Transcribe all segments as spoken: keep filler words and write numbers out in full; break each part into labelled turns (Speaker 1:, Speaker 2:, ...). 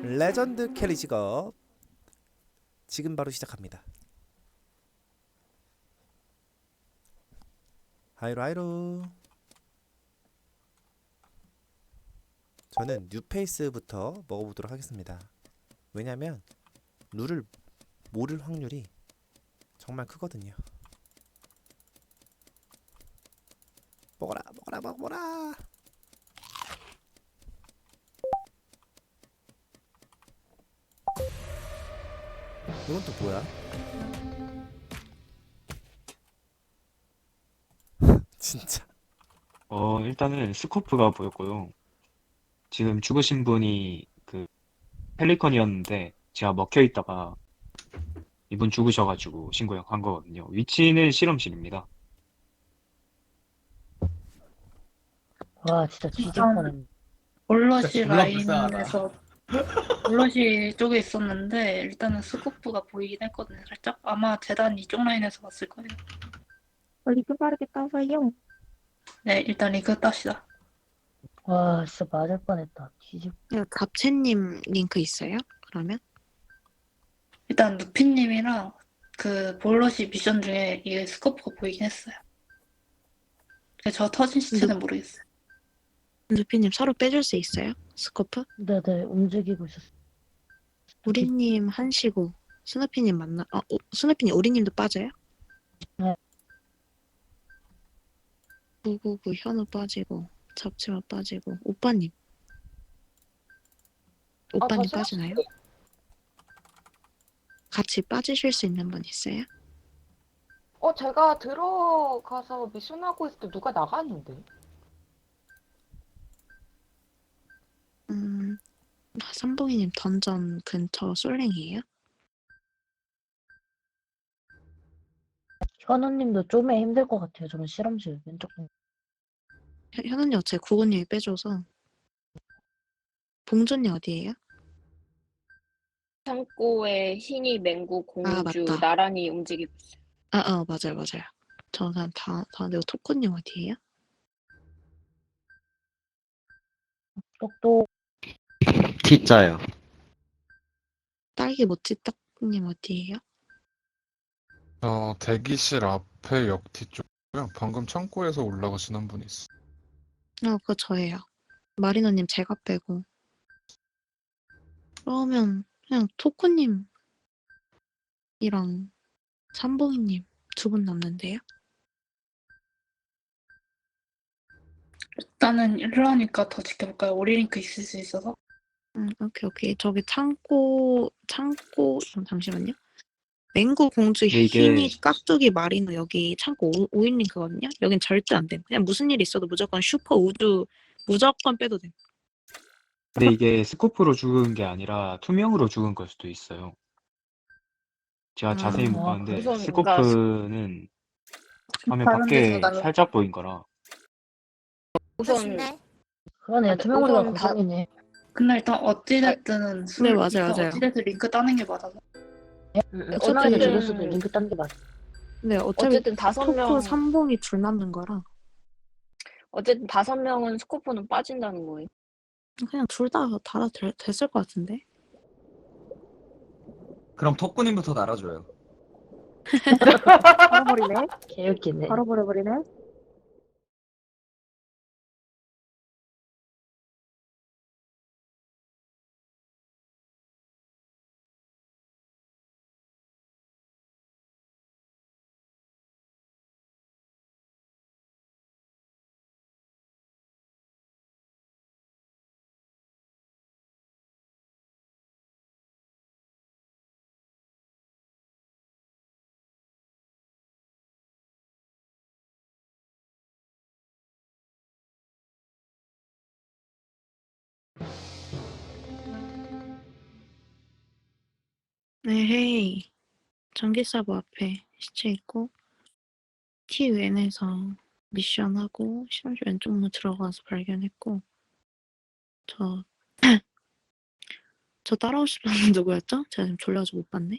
Speaker 1: 레전드 캐리 직업 지금 바로 시작합니다. 하이로 하이로. 저는 뉴페이스부터 먹어보도록 하겠습니다. 왜냐면 룰을 모를 확률이 정말 크거든요. 먹어라 먹어라 먹어라. 이건 또 뭐야? 진짜.
Speaker 2: 어, 일단은 스코프가 보였고요. 지금 죽으신 분이 그 펠리컨이었는데 제가 먹혀 있다가 이분 죽으셔가지고 신고한 거거든요. 위치는 실험실입니다.
Speaker 3: 와 진짜 뒤질
Speaker 4: 일단
Speaker 3: 뻔했네.
Speaker 4: 올러시
Speaker 5: 졸라 불쌍하다.
Speaker 4: 라인에서 올러시 쪽에 있었는데 일단은 스코프가 보이긴 했거든요. 살짝 아마 재단 이쪽 라인에서 봤을 거예요.
Speaker 6: 리뷰 빠르게 따서요.
Speaker 4: 네, 일단 리그 땁시다.
Speaker 3: 와 진짜 맞을 뻔했다. 뒤질.
Speaker 6: 네, 갑채님 링크 있어요? 그러면?
Speaker 4: 일단 루피님이랑 그 볼러시 미션 중에 이게 스코프가 보이긴 했어요. 근데 저 터진 시체는 모르겠어요.
Speaker 6: 루피님 서로 빼줄 수 있어요? 스코프?
Speaker 3: 네네 움직이고 있었어.
Speaker 6: 우리님 한시고 스누피님 만나. 어, 오, 스누피님 우리님도 빠져요?
Speaker 3: 네.
Speaker 6: 구구구 현우 빠지고 잡채마 빠지고 오빠님. 오빠님
Speaker 7: 저
Speaker 6: 빠지나요? 같이 빠지실 수 있는 분 있어요?
Speaker 7: 어, 제가 들어가서 미션하고 있을 때 누가 나갔는데?
Speaker 6: 음, 삼봉이님 던전 근처 솔랭이에요?
Speaker 3: 현우님도 좀에 힘들 것 같아요. 저는 실험실 왼쪽 방.
Speaker 6: 현- 현우님 어차피 구구님이 빼줘서. 봉준이 어디에요?
Speaker 8: 창고에 흰이, 맹구,
Speaker 6: 아,
Speaker 8: 공주
Speaker 6: 맞다.
Speaker 8: 나란히 움직이고 있어요.
Speaker 6: 아, 어, 맞아요, 맞아요. 저는 다, 다, 내가 토코님 어디에요?
Speaker 3: 똑똑.
Speaker 9: T자요.
Speaker 6: 딸기 모찌떡님 어디에요?
Speaker 10: 어, 대기실 앞에 역티 쪽이고요. 방금 창고에서 올라가시는 분이 있어.
Speaker 6: 어, 그거 저예요. 마리노님 제가 빼고. 그러면 그냥 토코님이랑 삼봉이님 두 분 남는데요?
Speaker 4: 일단은 이러니까 더 지켜볼까요? 오리 링크 있을 수 있어서.
Speaker 6: 음, 오케이, 오케이. 저기 창고, 창고, 음, 잠시만요. 맹구 공주
Speaker 2: 근데 이게-
Speaker 6: 흰이 깍두기 마리노 여기 창고 오 인 링크거든요? 여긴 절대 안 돼. 그냥 무슨 일 있어도 무조건 슈퍼 우주 무조건 빼도 돼.
Speaker 2: 근데 이게 스코프로 죽은 게 아니라 투명으로 죽은 걸 수도 있어요. 제가
Speaker 6: 아,
Speaker 2: 자세히 못
Speaker 3: 아,
Speaker 2: 봤는데
Speaker 8: 우선
Speaker 2: 스코프는 화면
Speaker 4: 다른 데서
Speaker 2: 밖에
Speaker 4: 나는
Speaker 2: 살짝 보인 거라.
Speaker 8: 우선
Speaker 3: 그러네요.
Speaker 8: 아,
Speaker 3: 투명우리가
Speaker 8: 우선 다-
Speaker 3: 고정이네.
Speaker 4: 근데 일단 어찌됐든 술
Speaker 6: 네, 맞아요,
Speaker 4: 일단
Speaker 6: 맞아요.
Speaker 4: 어찌됐든 링크 따는 게 맞아서.
Speaker 3: 투명우리
Speaker 8: 어쨌든-
Speaker 3: 죽였어도 링크 딴 게 맞아.
Speaker 6: 네, 어차피
Speaker 8: 어쨌든 다섯
Speaker 6: 토코
Speaker 8: 명
Speaker 6: 삼봉이 둘 남는 거라
Speaker 8: 어쨌든 다섯 명은 스코프는 빠진다는 거예요.
Speaker 6: 그냥 둘 다 다 됐을 것 같은데.
Speaker 5: 그럼 톡구님부터 날아줘요.
Speaker 6: 아, 바로 버리네.
Speaker 3: 개웃기네.
Speaker 6: 바로 버려버리네. 네, 헤이. 전기사부 앞에 시체 있고 티엔에서 미션하고 실험실 왼쪽 문 들어가서 발견했고 저 저 따라오실 분은 누구였죠? 제가 지금 졸려가지고 못 봤네.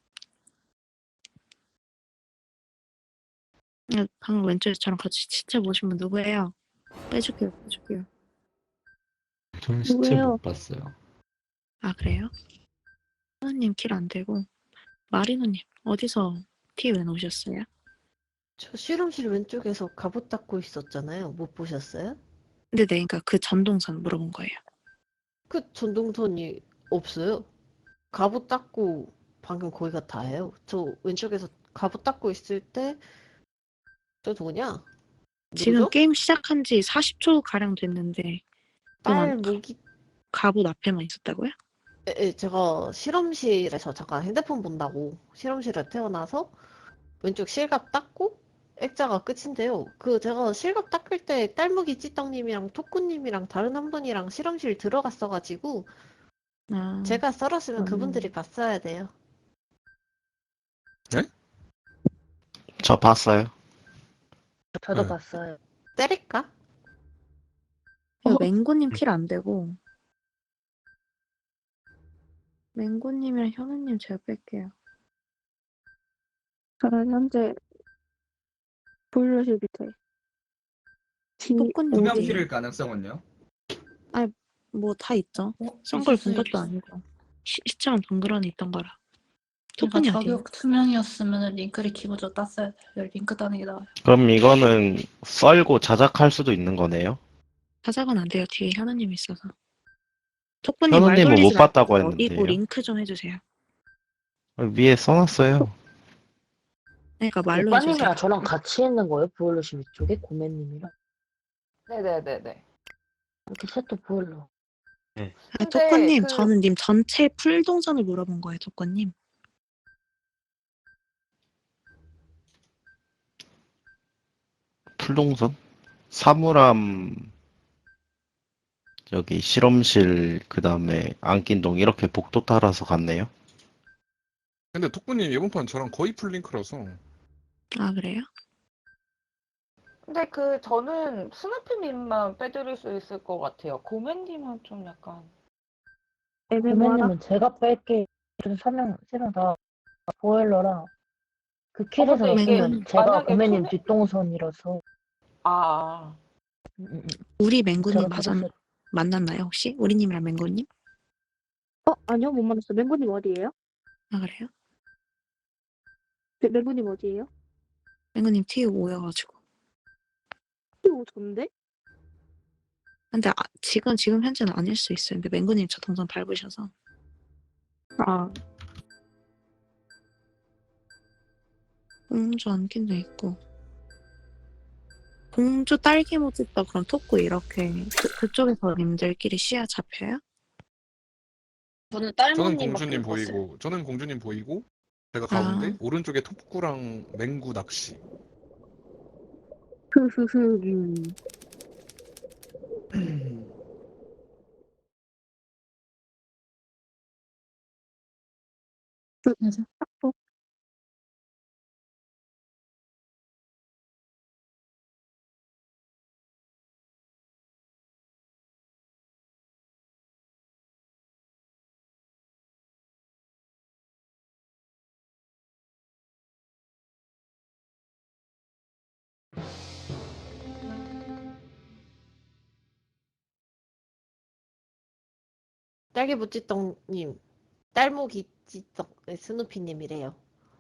Speaker 6: 아, 방금 왼쪽에 저랑 같이 시체 보신 분 누구예요? 빼줄게요, 빼줄게요.
Speaker 9: 저는 시체
Speaker 6: 누구예요?
Speaker 9: 못 봤어요.
Speaker 6: 아, 그래요? 하느님 킬 안 되고 마리노님 어디서 티 왜 놓으셨어요?
Speaker 11: 저 실험실 왼쪽에서 갑옷 닦고 있었잖아요. 못 보셨어요?
Speaker 6: 근데 네, 그러니까 그 전동선 물어본 거예요.
Speaker 11: 그 전동선이 없어요. 갑옷 닦고 방금 거기가 다예요. 저 왼쪽에서 갑옷 닦고 있을 때 저 누구냐?
Speaker 6: 지금
Speaker 11: 누구죠?
Speaker 6: 게임 시작한 지 사십 초 가량 됐는데
Speaker 11: 딸
Speaker 6: 동안
Speaker 11: 모기.
Speaker 6: 갑옷 앞에만 있었다고요?
Speaker 11: 에, 에, 제가 실험실에서 잠깐 핸드폰 본다고 실험실에 태어나서 왼쪽 실갑 닦고 액자가 끝인데요. 그 제가 실갑 닦을 때 딸무기 찌떡님이랑 토꾸님이랑 다른 한 분이랑 실험실 들어갔어가지고
Speaker 6: 아,
Speaker 11: 제가 썰었으면
Speaker 6: 음.
Speaker 11: 그분들이 봤어야 돼요.
Speaker 9: 저 봤어요.
Speaker 3: 저도
Speaker 10: 네.
Speaker 3: 봤어요.
Speaker 11: 때릴까?
Speaker 6: 이거
Speaker 11: 어.
Speaker 6: 맹고님 킬 안 되고 맹고님이랑 현우님 제가 뺄게요.
Speaker 12: 저는 현재 보일러실 밑에 디
Speaker 6: 토끼님
Speaker 5: 투명
Speaker 6: 어디?
Speaker 5: 킬일 가능성은요?
Speaker 6: 뭐 다 있죠.
Speaker 4: 어?
Speaker 6: 썬 걸
Speaker 4: 있을
Speaker 6: 본
Speaker 4: 수
Speaker 6: 것도
Speaker 4: 있어.
Speaker 6: 아니고 시, 시청 덩그러니 있던 거라.
Speaker 4: 그러니까
Speaker 6: 토큰이 어디에요?
Speaker 4: 저격 투명이었으면 링크를 기본적으로 땄어야 돼요. 링크 따는 게 나아요.
Speaker 9: 그럼 이거는 썰고 자작할 수도 있는 거네요?
Speaker 6: 자작은 안 돼요. 뒤에 현우님 있어서. 토끼님 말
Speaker 9: 현우님은
Speaker 6: 돌리지
Speaker 9: 못 봤다고
Speaker 6: 말고 어디고
Speaker 9: 했는데요.
Speaker 6: 링크 좀 해주세요.
Speaker 9: 위에 써놨어요.
Speaker 6: 그러니까 말로 해주세요.
Speaker 3: 오빠님이랑 저랑 같이 있는 거예요? 보일러실 위쪽에 고매님이랑
Speaker 7: 네네네네.
Speaker 3: 이렇게 셋도 보일러.
Speaker 6: 아,
Speaker 7: 근데
Speaker 6: 토끼님
Speaker 7: 그-
Speaker 6: 저는 님 전체 풀 동선을 물어본 거예요. 토끼님.
Speaker 9: 풀동선? 사물함, 여기 실험실, 그 다음에 안긴동 이렇게 복도 따라서 갔네요.
Speaker 10: 근데 톡구님 이번 판 저랑 거의 풀링크라서
Speaker 6: 아 그래요?
Speaker 7: 근데 그 저는 스누피님만 빼드릴 수 있을 것 같아요. 고맨님은 좀 약간
Speaker 12: 애매모하다.
Speaker 3: 고매님은 제가 뺄게. 좀 설명 세명 다 보일러랑 그
Speaker 7: 어, 근데
Speaker 3: 킬에서
Speaker 6: 이게
Speaker 3: 보면 제가
Speaker 7: 만약에
Speaker 3: 고매님
Speaker 7: 투명-
Speaker 3: 뒷동선이라서
Speaker 7: 아
Speaker 3: 음, 음, 음.
Speaker 6: 우리 맹구님
Speaker 3: 제가
Speaker 6: 맞았,
Speaker 3: 찾았어요.
Speaker 6: 만났나요 혹시? 우리님이랑 맹구님?
Speaker 12: 어 아니요 못 만났어. 맹구님 어디예요?
Speaker 6: 아 그래요?
Speaker 12: 맹- 맹구님 어디예요?
Speaker 6: 맹구님 티 오여가지고.
Speaker 12: 오 전데?
Speaker 6: 근데 아, 지금 지금 현재는 아닐 수 있어요. 근데 맹구님 저 동선 밟으셔서.
Speaker 12: 아
Speaker 6: 공주 안긴도 있고. 공주 딸기 모집도 그럼 토크 이렇게 그, 그쪽에서 님들끼리 시야 잡혀요?
Speaker 8: 저는
Speaker 10: 저는
Speaker 8: 딸모님밖에
Speaker 10: 공주님
Speaker 8: 못 봤어요.
Speaker 10: 보이고 저는 공주님 보이고 제가
Speaker 6: 아.
Speaker 10: 가운데 오른쪽에 톡구랑 맹구 낚시.
Speaker 12: 흐흐흐 음.
Speaker 4: 맞아.
Speaker 11: 딸기무찌떡님, 딸모기찌떡 네, 스누피님이래요.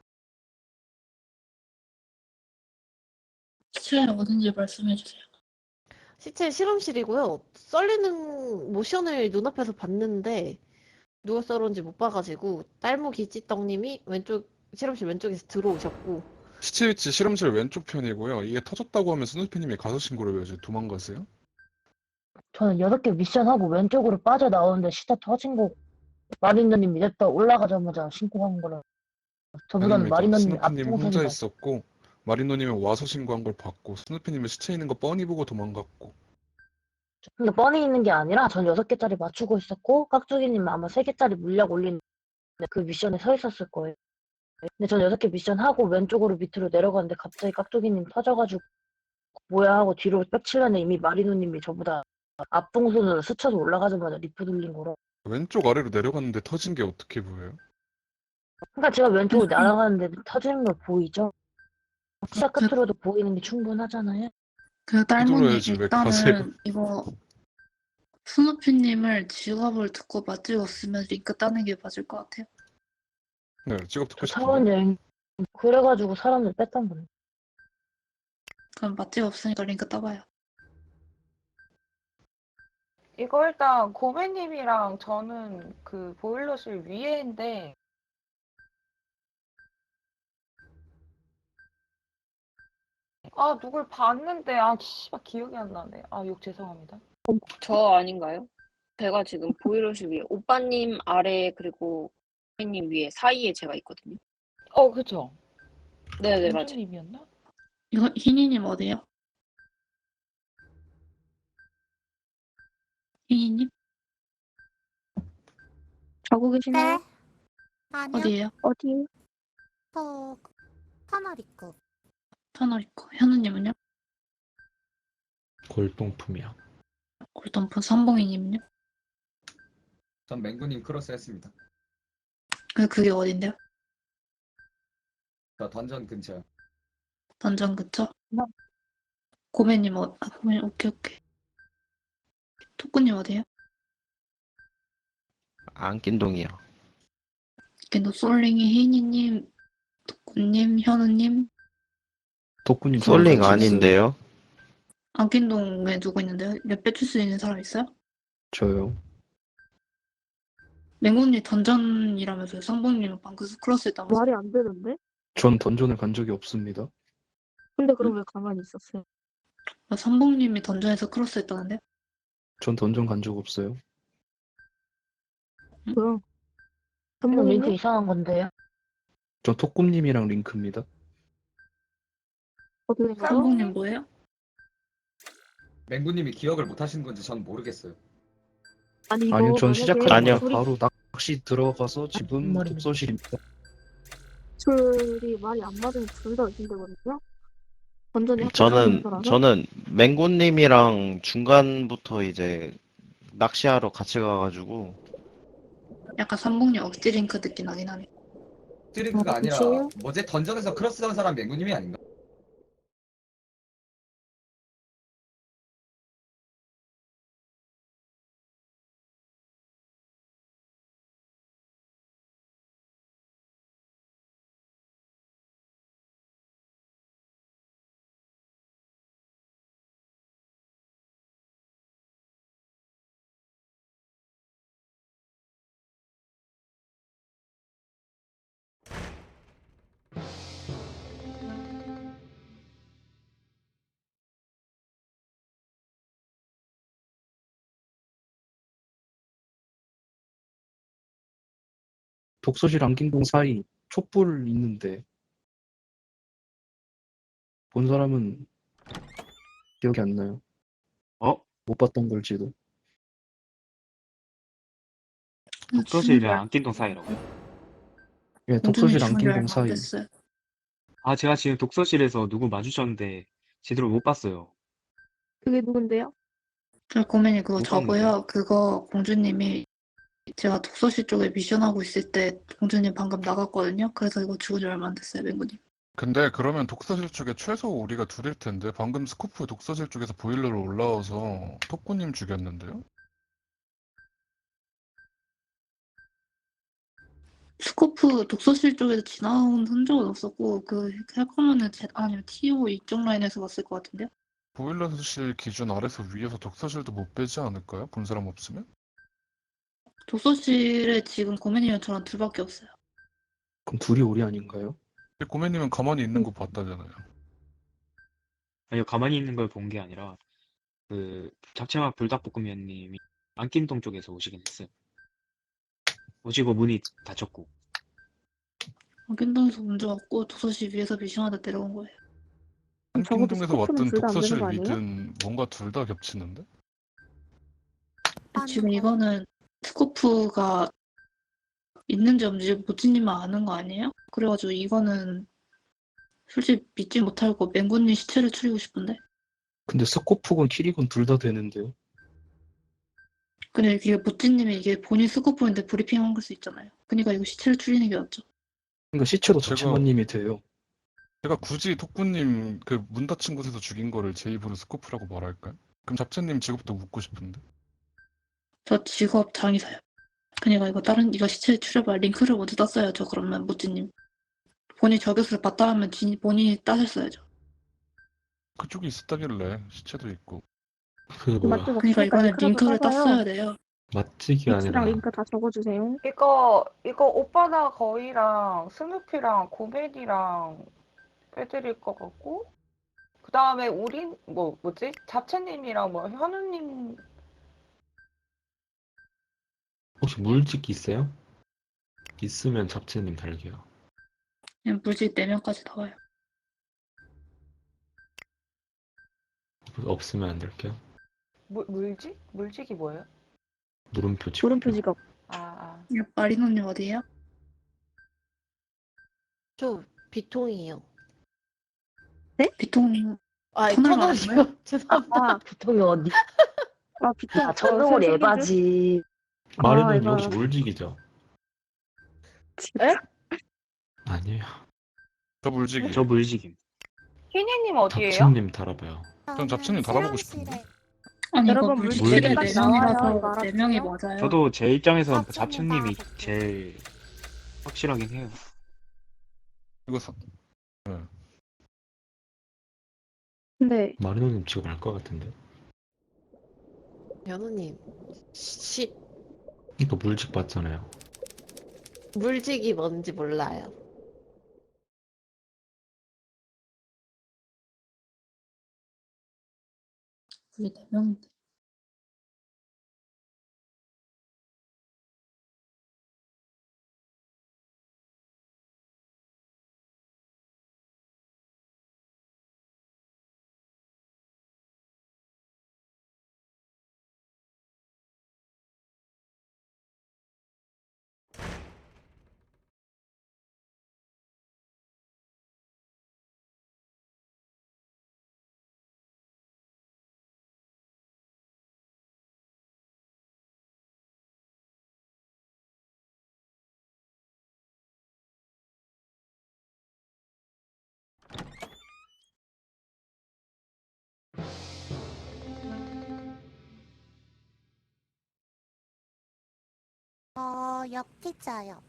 Speaker 4: 시간이 어딘지 말씀해 주세요.
Speaker 11: 시체 실험실이고요. 썰리는 모션을 눈앞에서 봤는데 누가 썰었는지 못 봐가지고 딸모기찌떡님이 왼쪽 실험실 왼쪽에서 들어오셨고
Speaker 10: 시체 위치 실험실 왼쪽 편이고요. 이게 터졌다고 하면 스누피님이 가서 신고를 왜 이제 도망가세요?
Speaker 3: 저는 여섯 개 미션하고 왼쪽으로 빠져나오는데 시다 터진 거 마리너님 냅다 올라가자마자 신고한 거라 저보다는
Speaker 10: 아닙니다.
Speaker 3: 마리너님이
Speaker 10: 스누피님 혼자
Speaker 3: 앞동선이라
Speaker 10: 있었고 마리노님은 와서 신고한 걸 봤고 스누피님은 시체 있는 거 뻔히 보고 도망갔고.
Speaker 3: 근데 뻔히 있는 게 아니라 전 여섯 개짜리 맞추고 있었고 깍두기님 아마 세 개짜리 물약 올린 그 미션에 서 있었을 거예요. 근데 전 여섯 개 미션 하고 왼쪽으로 밑으로 내려갔는데 갑자기 깍두기님 터져가지고 뭐야 하고 뒤로 빽치려는 이미 마리노님이 저보다 앞동선으로 스쳐서 올라가자마자 리프 돌린 거라.
Speaker 10: 왼쪽 아래로 내려갔는데 터진 게 어떻게 보여요?
Speaker 3: 그러니까 제가 왼쪽으로 날아가는데 터지는 거 보이죠? 시작 끝으로도 보이는 게 충분하잖아요.
Speaker 4: 그 딸모님
Speaker 10: 뒤돌아야지, 왜
Speaker 4: 일단은
Speaker 10: 가세요?
Speaker 4: 이거 스누피님을 직업을 듣고 맞찍었으면 링크 따는 게 맞을 것 같아요.
Speaker 10: 네, 직업
Speaker 3: 저
Speaker 10: 듣고
Speaker 3: 차원
Speaker 10: 싶은데.
Speaker 3: 여행 그래가지고 사람들 뺐던 건데.
Speaker 4: 그럼 맞찍 없으니까 링크 따봐요.
Speaker 7: 이거 일단 고매님이랑 저는 그 보일러실 위에인데 아 누굴 봤는데 아 씨발 기억이 안 나네. 아 욕 죄송합니다.
Speaker 8: 저 아닌가요? 제가 지금 보이러실 위에 오빠님 아래 그리고 님 위에 사이에 제가 있거든요.
Speaker 7: 어 그쵸?
Speaker 8: 네네 맞아요.
Speaker 7: 공주님이었나?
Speaker 4: 이거 희니님 어디에요? 희니님?
Speaker 12: 자고 계시나요?
Speaker 13: 네. 아니요.
Speaker 4: 어디에요?
Speaker 12: 어디?
Speaker 13: 저 터널 입구.
Speaker 4: 터널 있고. 현우님은요?
Speaker 2: 골동품이야.
Speaker 4: 골덤프 삼봉이님은요?
Speaker 5: 전 맹구님 크로스 했습니다.
Speaker 4: 그 그게 어딘데요?
Speaker 5: 저 던전 근처.
Speaker 4: 던전 그쵸?
Speaker 3: 나-
Speaker 4: 고매님 어, 아, 고매님 오케이 오케이. 토꾸님 어디에요?
Speaker 9: 안긴동이요.
Speaker 4: 겐도 솔링이 희니님, 토꾸님, 현우님.
Speaker 2: 덕분님
Speaker 9: 솔링
Speaker 4: 맞췄어요.
Speaker 9: 아닌데요?
Speaker 4: 안킨동에 누구 있는데요? 몇 배 줄 수 있는 사람 있어요?
Speaker 2: 저요.
Speaker 4: 맹구님 던전이라면서요. 상봉님은 방금 크로스 했다면서.
Speaker 12: 말이 안 되는데?
Speaker 2: 전 던전을 간 적이 없습니다.
Speaker 12: 근데 그럼 왜 가만히 있었어요?
Speaker 4: 상봉님이 던전에서 크로스 했다는데?
Speaker 2: 전 던전 간 적 없어요.
Speaker 12: 뭐야?
Speaker 3: 그럼 링크
Speaker 12: 전문님?
Speaker 3: 이상한 건데요.
Speaker 2: 전 톡꿈님이랑 링크입니다.
Speaker 12: 어떻게 된 거죠?
Speaker 4: 상봉님 뭐예요?
Speaker 5: 맹구님이 기억을 못 하시는 건지 전 모르겠어요.
Speaker 12: 아니 이거
Speaker 2: 아니요, 전
Speaker 12: 만약에
Speaker 2: 시작하자마자
Speaker 9: 아니요.
Speaker 12: 소리,
Speaker 2: 바로 낚시 들어가서 지금
Speaker 3: 머리는.
Speaker 2: 독서실입니다.
Speaker 12: 소리 말이 안 맞으면 둘 다 의심되거든요? 완전히
Speaker 9: 저는
Speaker 12: 거라서?
Speaker 9: 저는 맹구님이랑 중간부터 이제 낚시하러 같이 가가지고
Speaker 4: 약간 상봉님 억지 링크 느낌 나긴 하네.
Speaker 5: 드링크가
Speaker 12: 어,
Speaker 5: 아니라
Speaker 12: 그치요?
Speaker 5: 뭐지 던전에서 크로스 한 사람 맹구님이 아닌가?
Speaker 2: 독서실 안긴동 사이 촛불 있는데 본 사람은 기억이 안 나요. 어? 못 봤던 걸지도. 독서실이랑 안긴동 사이라고요? 예,
Speaker 4: 공주님
Speaker 2: 독서실
Speaker 4: 죽은 지
Speaker 2: 안긴동
Speaker 4: 얼마 안
Speaker 2: 사이.
Speaker 4: 됐어요.
Speaker 2: 아, 제가 지금 독서실에서 누구 마주쳤는데 제대로 못 봤어요.
Speaker 12: 그게 누군데요?
Speaker 4: 저 고맨이 그거
Speaker 2: 못
Speaker 4: 저고요. 그거 공주님이 제가 독서실 쪽에 미션하고 있을 때 공주님 방금 나갔거든요. 그래서 이거 죽은 지 얼마 안 됐어요, 맹구님.
Speaker 10: 근데 그러면 독서실 쪽에 최소 우리가 둘일 텐데 방금 스코프 독서실 쪽에서 보일러로 올라와서 토꾸님 죽였는데요?
Speaker 4: 스코프 독서실 쪽에서 지나온 흔적은 없었고 그 할 거면은 제 아니면 티오 이쪽 라인에서 봤을 것 같은데요.
Speaker 10: 보일러실 기준 아래서 위에서 독서실도 못 빼지 않을까요? 본 사람 없으면?
Speaker 4: 독서실에 지금 고맨이랑 저랑 둘밖에 없어요.
Speaker 2: 그럼 둘이 우리 아닌가요?
Speaker 10: 고매님은 가만히 있는 거 봤다잖아요.
Speaker 2: 아니요, 가만히 있는 걸 본 게 아니라 그 잡채맛 불닭볶음면님이 안긴동 쪽에서 오시긴 했어요. 오시고 문이 닫혔고.
Speaker 4: 안긴동에서 문제 없고 독서실 위에서 미션하다 내려온 거예요.
Speaker 12: 그럼 적어도
Speaker 10: 한킹동에서
Speaker 12: 스코프는
Speaker 10: 왔든
Speaker 12: 둘 다 안 되는
Speaker 10: 독서실
Speaker 12: 거 아니에요?
Speaker 10: 위든 뭔가 둘 다 겹치는데?
Speaker 4: 지금
Speaker 13: 아니요.
Speaker 4: 이거는 스코프가 있는지 없는지 모찌님만 아는 거 아니에요? 그래가지고 이거는 솔직히 믿지 못하고 맹구님 시체를 추리고 싶은데.
Speaker 2: 근데 스코프건 키리건 둘 다 되는데요.
Speaker 4: 근데 이게 모찌님이 이게 본인 스코프인데 브리핑한 걸 수 있잖아요. 그러니까 이거 시체를 추리는 게 낫죠.
Speaker 2: 그러니까 시체도
Speaker 10: 제가-
Speaker 2: 잡채맛님이 돼요.
Speaker 10: 제가 굳이 토꾸님 그 문 닫힌 곳에서 죽인 거를 제 입으로 스코프라고 말할까요? 그럼 잡채님 직업도 묻고 싶은데?
Speaker 4: 저 직업 장의사요. 그러니까 이거 다른 이거 시체 추려봐 링크를 먼저 땄어야죠. 그러면 모찌님 본인 저격수를 봤다 하면 진, 본인이 따셨어야죠.
Speaker 10: 그쪽에 있었다길래 시체도 있고.
Speaker 12: 그 맞죠?
Speaker 4: 그러니까 이번에 링크를 땄어야 돼요.
Speaker 14: 맛지기가
Speaker 12: X랑
Speaker 14: 아니라
Speaker 12: 링크 다 적어주세요.
Speaker 7: 이거 이거 오빠나 거이랑 스누피랑 고맨이랑 빼드릴 것 같고 그 다음에 우린 뭐 뭐지 잡채님이랑 뭐 현우님
Speaker 14: 혹시 물직 있어요? 있으면 잡채님 달게요.
Speaker 4: 그냥 물질 네 명까지 나와요.
Speaker 14: 없으면 안 달게요.
Speaker 7: 물 물직 물직이 뭐예요?
Speaker 14: 물음표 찍고.
Speaker 12: 물음표 직업.
Speaker 7: 아, 아.
Speaker 4: 마리노님 어디에요?
Speaker 11: 저 비통이에요.
Speaker 4: 비통
Speaker 11: 아,
Speaker 4: 터널
Speaker 11: 터널이요. 죄송합니다.
Speaker 3: 아, 비통이 어디?
Speaker 12: 아, 비통.
Speaker 3: 아, 천둥을
Speaker 12: 어,
Speaker 3: 에바지.
Speaker 14: 마리노님
Speaker 12: 이거-
Speaker 14: 혹시 물직이죠?
Speaker 11: 에?
Speaker 14: 아니에요.
Speaker 10: 저 물직이.
Speaker 2: 저 물직임.
Speaker 7: 희니님 어디에요?
Speaker 14: 잡채님 달아봐요.
Speaker 10: 전 잡채님 달아보고 싶은데.
Speaker 4: 아니 이거
Speaker 12: 여러분,
Speaker 4: 물질
Speaker 14: 물질이
Speaker 4: 네
Speaker 14: 딱
Speaker 12: 나와요.
Speaker 4: 명이라서 네 명이
Speaker 12: 알았어요?
Speaker 4: 맞아요.
Speaker 2: 저도 제 입장에서는
Speaker 13: 아,
Speaker 2: 잡채님이
Speaker 13: 좀
Speaker 2: 제일 확실하긴 해요.
Speaker 10: 이거 사...
Speaker 12: 근데
Speaker 14: 마리노님 지금 알 것 같은데.
Speaker 11: 연우님, 시,
Speaker 14: 이거 물직 봤잖아요.
Speaker 11: 물직이 뭔지 몰라요.
Speaker 4: 우리 네 명인데.
Speaker 13: 어, 역티자요.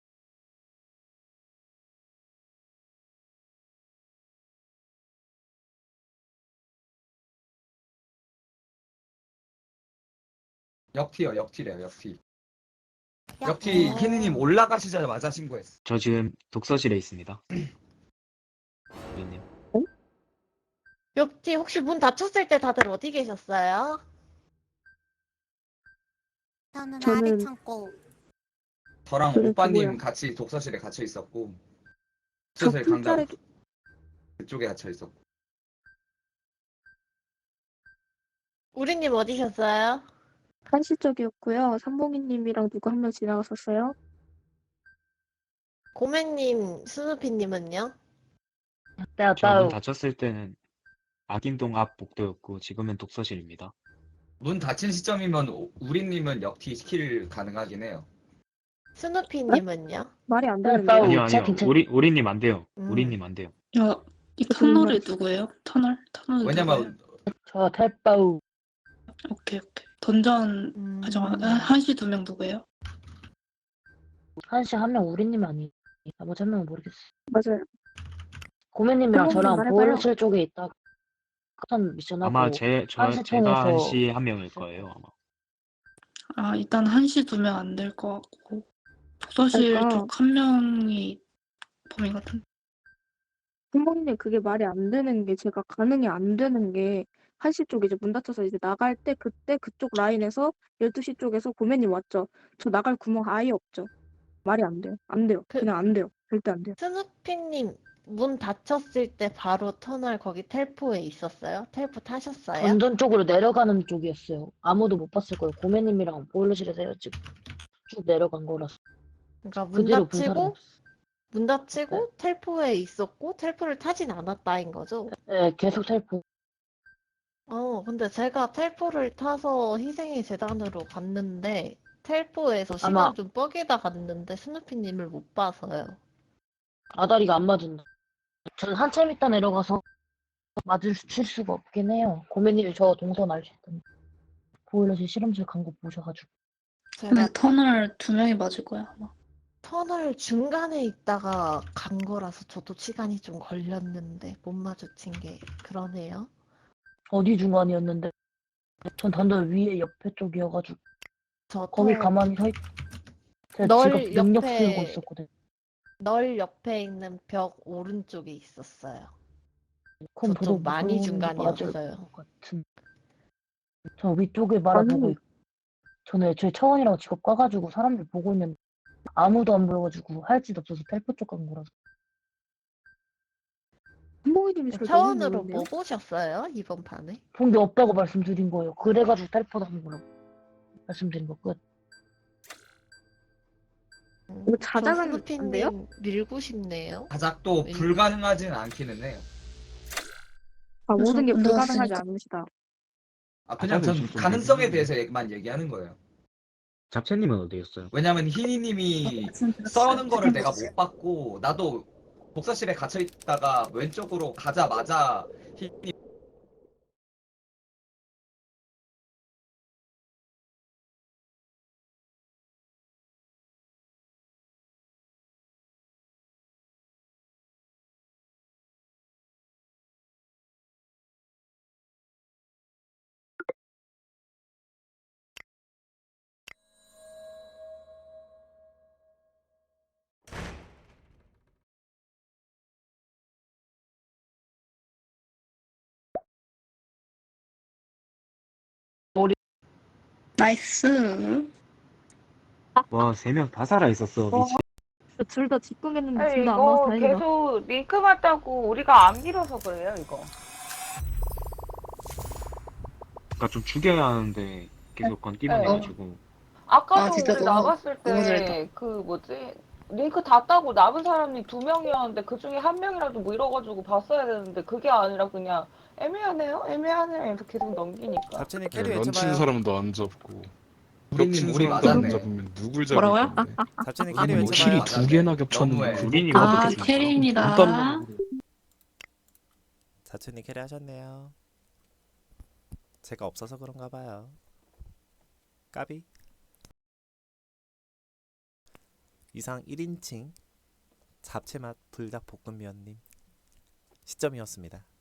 Speaker 5: 역티요, 역티래요, 역티.
Speaker 13: 역-
Speaker 5: 역티
Speaker 11: 어.
Speaker 5: 희니님 올라가시자마자 신고했어.
Speaker 2: 저 지금 독서실에 있습니다. 우리님.
Speaker 11: 역티 혹시 문 닫혔을 때 다들 어디 계셨어요?
Speaker 13: 저는
Speaker 12: 저는-
Speaker 13: 아래 창고.
Speaker 5: 저랑
Speaker 12: 저는
Speaker 5: 오빠님
Speaker 12: 그거요.
Speaker 5: 같이 독서실에 갇혀 있었고,
Speaker 12: 저
Speaker 5: 독서실 강당
Speaker 12: 풀자리
Speaker 5: 그쪽에 갇혀 있었고.
Speaker 11: 우리님 어디셨어요?
Speaker 12: 한시 쪽이었고요. 삼봉이님이랑 누구 한 명 지나갔었어요.
Speaker 11: 고매님, 스누피님은요?
Speaker 3: 내가
Speaker 2: 저 문
Speaker 3: 나
Speaker 2: 닫혔을 때는 악인동 앞 복도였고 지금은 독서실입니다.
Speaker 5: 문 닫힌 시점이면 오- 우리님은 역티 스킬 가능하긴 해요.
Speaker 11: 스누피님은요?
Speaker 12: 말이 안
Speaker 3: 나
Speaker 12: 되는데.
Speaker 3: 어,
Speaker 2: 아니요
Speaker 3: 진짜
Speaker 2: 아니요.
Speaker 3: 괜찮-
Speaker 2: 우리 우리님 안 돼요.
Speaker 11: 음.
Speaker 2: 우리님 안 돼요.
Speaker 4: 야, 이
Speaker 12: 저
Speaker 4: 터널이
Speaker 12: 정말-
Speaker 4: 누구예요? 터널? 터널
Speaker 5: 왜냐면
Speaker 3: 저 탈바우.
Speaker 4: 오케이 오케이. 던전
Speaker 11: 음.
Speaker 4: 아 잠깐 한시 두 명 누구예요?
Speaker 3: 한시 한 명 우리님 아니. 나머지 한 명은 모르겠어.
Speaker 12: 맞아요.
Speaker 3: 고매님이랑
Speaker 12: 한번
Speaker 3: 저랑
Speaker 12: 말해봐요.
Speaker 3: 보일러실 쪽에 있다가 커튼 미션하고
Speaker 2: 아마 제 저
Speaker 3: 한시
Speaker 2: 제가
Speaker 3: 통해서
Speaker 2: 한시 한 명일 거예요 아마.
Speaker 4: 아 일단 한시 두면 안 될 것 같고 독서실
Speaker 12: 그러니까.
Speaker 4: 쪽 한 명이 범인 같은.
Speaker 12: 부모님 그게 말이 안 되는 게 제가 가능이 안 되는 게 한시 쪽에 이제 문 닫혀서 이제 나갈 때 그때 그쪽 라인에서 열두 시 쪽에서 고매님 왔죠. 저 나갈 구멍 아예 없죠. 말이 안 돼요. 안 돼요.
Speaker 11: 그-
Speaker 12: 그냥 안 돼요. 절대 안 돼요.
Speaker 11: 스누피님, 문 닫혔을 때 바로 터널 거기 텔포에 있었어요? 텔포 타셨어요?
Speaker 3: 던전 쪽으로 내려가는 쪽이었어요. 아무도 못 봤을 거예요. 고매님이랑 보일러실에서 헤어지고 쭉 내려간 거라서.
Speaker 11: 그러니까 문
Speaker 3: 그대로 본 사람
Speaker 11: 닫히고
Speaker 3: 없어.
Speaker 11: 문 닫히고 텔포에 있었고 텔포를 타진 않았다인 거죠?
Speaker 3: 네, 계속 탈포.
Speaker 11: 어, 근데 제가 텔포를 타서 희생의 재단으로 갔는데 텔포에서 시간
Speaker 3: 아마-
Speaker 11: 좀 뻐기다 갔는데 스누피님을 못 봐서요.
Speaker 3: 아다리가 안 맞은다. 저는 한참 있다 내려가서 맞을 칠 수가 없긴 해요. 고매님이 저 동선 알실 텐데. 보일러실 실험실 간 거 보셔가지고.
Speaker 11: 제가
Speaker 4: 근데 터널 두 명이 맞을 거야 아마.
Speaker 11: 터널 중간에 있다가 간 거라서 저도 시간이 좀 걸렸는데 못 마주친 게 그러네요.
Speaker 3: 어디 중간이었는데 전 단전 위에 옆에 쪽이어가지고
Speaker 11: 저
Speaker 3: 거기
Speaker 11: 터
Speaker 3: 가만히 서 있... 제가
Speaker 11: 널
Speaker 3: 지금 능력
Speaker 11: 옆에-
Speaker 3: 키우고 있었거든.
Speaker 11: 널 옆에 있는 벽 오른쪽에 있었어요.
Speaker 3: 그럼
Speaker 11: 저 좀
Speaker 3: 저도
Speaker 11: 많이
Speaker 3: 무슨 맞을
Speaker 11: 중간이었어요.
Speaker 3: 것 같은. 저 위쪽에 바라보고
Speaker 12: 아니.
Speaker 3: 있... 저는 애초에 차원이라고 직업 까가지고 사람들 보고 있는데 아무도 안 보여가지고 할 짓 없어서 텔포 쪽 간 거라서.
Speaker 12: 한봉이님이 저를 너무
Speaker 11: 차원으로
Speaker 12: 모르는데요?
Speaker 11: 뭐 보셨어요? 이번 판에?
Speaker 3: 본 게 없다고 말씀드린 거예요. 그래가지고 텔포 한 거라고 말씀드린 거 끝.
Speaker 11: 음,
Speaker 12: 이거
Speaker 11: 저
Speaker 12: 자작은 안 돼요?
Speaker 11: 스누피님 밀고 싶네요.
Speaker 5: 자작도
Speaker 11: 왠-
Speaker 5: 불가능하진 않기는 해요.
Speaker 12: 아, 모든 게
Speaker 4: 그래서
Speaker 12: 불가능하지
Speaker 4: 올라왔으니까.
Speaker 12: 않으시다.
Speaker 5: 아 그냥
Speaker 2: 자작은
Speaker 5: 전
Speaker 2: 지금 좀
Speaker 5: 가능성에
Speaker 2: 밀리는
Speaker 5: 대해서 얘기만 얘기하는 거예요.
Speaker 2: 잡채님은 어디였어요?
Speaker 5: 왜냐면 희니님이 써는 거를 내가 못 봤고 나도 독서실에 갇혀 있다가 왼쪽으로 가자마자 희니
Speaker 4: 나이스.
Speaker 2: 와, 세 명 다 살아 있었어.
Speaker 12: 와.
Speaker 2: 미친.
Speaker 12: 둘 다 직공했는데
Speaker 7: 아니,
Speaker 12: 둘 다 안 맞아서
Speaker 7: 이거
Speaker 12: 다행이다.
Speaker 7: 계속 링크 맞다고 우리가 안 밀어서 그래요, 이거.
Speaker 2: 그러니까 좀 죽여야 하는데 계속 건띠만
Speaker 7: 네.
Speaker 2: 해가지고.
Speaker 7: 아까도
Speaker 4: 아, 진짜
Speaker 7: 우리
Speaker 4: 너무-
Speaker 7: 나갔을
Speaker 4: 너무
Speaker 7: 때
Speaker 4: 잘했다.
Speaker 7: 그 뭐지? 링크 다 따고 남은 사람이 두 명이었는데 그 중에 한 명이라도 밀어가지고 봤어야 되는데 그게 아니라 그냥 애매하네요? 애매하네요. 이렇게 계속 넘기니까.
Speaker 1: 잡채님
Speaker 10: 네,
Speaker 1: 캐리
Speaker 10: 런친
Speaker 1: 외쳐봐요.
Speaker 10: 사람도 안 잡고
Speaker 5: 우리님
Speaker 10: 겹친
Speaker 5: 우리
Speaker 10: 사람도 안
Speaker 5: 맞았네.
Speaker 10: 잡으면 누굴 잡을
Speaker 6: 뭐라고요?
Speaker 10: 건데.
Speaker 1: 잡채님
Speaker 5: 아니,
Speaker 1: 캐리
Speaker 5: 뭐
Speaker 14: 킬이
Speaker 1: 외쳐봐요.
Speaker 5: 맞았네.
Speaker 14: 두 개나 겹쳤는데
Speaker 5: 너무해.
Speaker 2: 우린이
Speaker 4: 아,
Speaker 2: 어떻게
Speaker 4: 캐리입니다.
Speaker 1: 잡채님 캐리 하셨네요. 제가 없어서 그런가 봐요. 까비. 이상 일 인칭 잡채맛 불닭볶음면님 시점이었습니다.